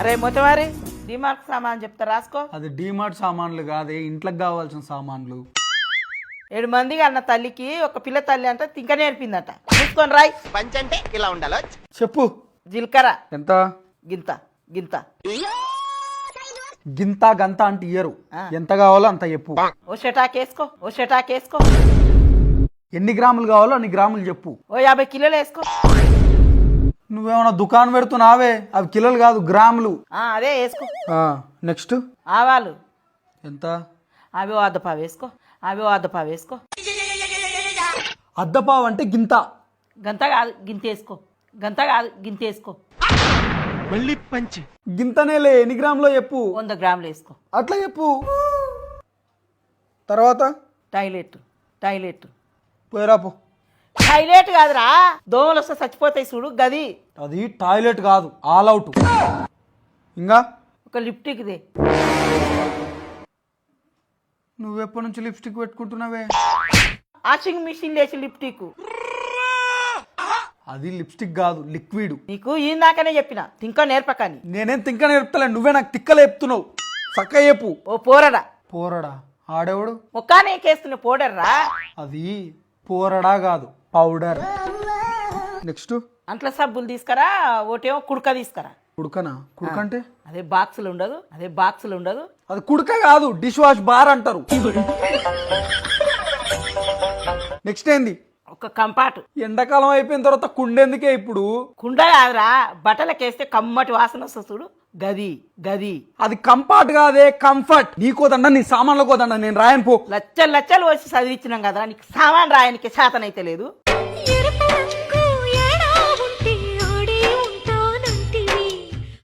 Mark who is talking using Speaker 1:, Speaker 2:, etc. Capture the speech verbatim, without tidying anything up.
Speaker 1: అరే మొత్తవారి డిమార్ట్ సామాన్ చెప్తా రాసుకో.
Speaker 2: అది డిమార్ట్ సామాన్లు కాదే, ఇంట్లోకి కావాల్సిన సామాన్లు.
Speaker 1: ఏడు మందికి అన్న తల్లికి ఒక పిల్ల తల్లి అంటే తింక నేర్పిందట. చూసుకొని రాయ్.
Speaker 3: పంచ్ అంటే ఇలా ఉండాలో
Speaker 2: చెప్పు.
Speaker 1: జీలకర్ర
Speaker 2: ఎంత?
Speaker 1: గింత గింత
Speaker 2: గింత గంత అంటే ఇయ్యరు, ఎంత కావాలో అంత చెప్పు.
Speaker 1: ఓ షటాక్ వేసుకో, ఓ షటాక్ వేసుకో.
Speaker 2: ఎన్ని గ్రాములు కావాలో అన్ని గ్రాములు చెప్పు.
Speaker 1: ఓ యాభై కిలోలు వేసుకో.
Speaker 2: నువ్వేమన్నా దుకాణం పెడుతున్నావే, అవి కిలోలు కాదు గ్రాములు.
Speaker 1: ఆ, అదే వేసుకో.
Speaker 2: నెక్స్ట్
Speaker 1: ఆవాలు
Speaker 2: ఎంత?
Speaker 1: అవి ఓ అద్దపావు వేసుకో, అవి ఓ అద్దపావు వేసుకో.
Speaker 2: అద్దపావు అంటే గింత.
Speaker 1: గంత కాదు గింత వేసుకో, గంత కాదు గింత వేసుకో.
Speaker 3: మళ్ళీ పంచ్.
Speaker 2: గింతనేలే, ఎన్ని గ్రాములో చెప్పు.
Speaker 1: వంద గ్రాములు వేసుకో.
Speaker 2: అట్లా చెప్పు. తర్వాత
Speaker 1: టాయిలెట్ టాయిలెట్
Speaker 2: పోయిరాపు.
Speaker 1: టాయిలెట్ కాదురా, దోమలు వస్తే చచ్చిపోతాయి చూడు గది.
Speaker 2: అది టాయిలెట్ కాదు, ఆల్ అవుట్. ఇంకా
Speaker 1: ఒక లిప్టిక్ దే.
Speaker 2: నువ్వెప్పటి నుంచి లిప్స్టిక్ పెట్టుకుంటున్నావే?
Speaker 1: వాషింగ్ మిషన్ లేచి లిప్టిక్.
Speaker 2: అది లిప్స్టిక్ కాదు, లిక్విడ్.
Speaker 1: నీకు ఇందాకనే చెప్పిన తింక నేర్పకని.
Speaker 2: నేనేం తింక నేర్పుతలే, నువ్వే నాకు తిక్కలు చెప్తున్నావు. చక్క చెప్పు.
Speaker 1: ఓ పోరడా.
Speaker 2: పోరడా? ఆడేవాడు?
Speaker 1: ముఖానే కేస్తున్న పౌడర్రా.
Speaker 2: అది పోరడా కాదు, పౌడర్. నెక్స్ట్
Speaker 1: అంట్ల సబ్బులు తీసుకురా, ఒకటేమో కుడక తీసుకురా.
Speaker 2: కుడుకనా? కుడుక అంటే
Speaker 1: అదే బాక్సులు ఉండదు, అదే బాక్సులు ఉండదు.
Speaker 2: అది కుడుక కాదు, డిష్ వాష్ బార్ అంటారు. నెక్స్ట్ ఏంది?
Speaker 1: ఒక కంపాటు.
Speaker 2: ఎండాకాలం అయిపోయిన తర్వాత కుండెందుకే ఇప్పుడు?
Speaker 1: కుండ కాదురా, బట్టలకేస్తే కమ్మటి వాసన వస్తుంది చూడు గది గది.
Speaker 2: అది కంఫర్ట్ కాదే, కంఫర్ట్. నీకోదండ, నీ సామాన్లు కోదండ, నేను రాయను పో.
Speaker 1: లచ్చలు లచ్చలు వచ్చి చదివించినాం కదా, నీకు సామాన్ రాయనికి శాతనైతే లేదు.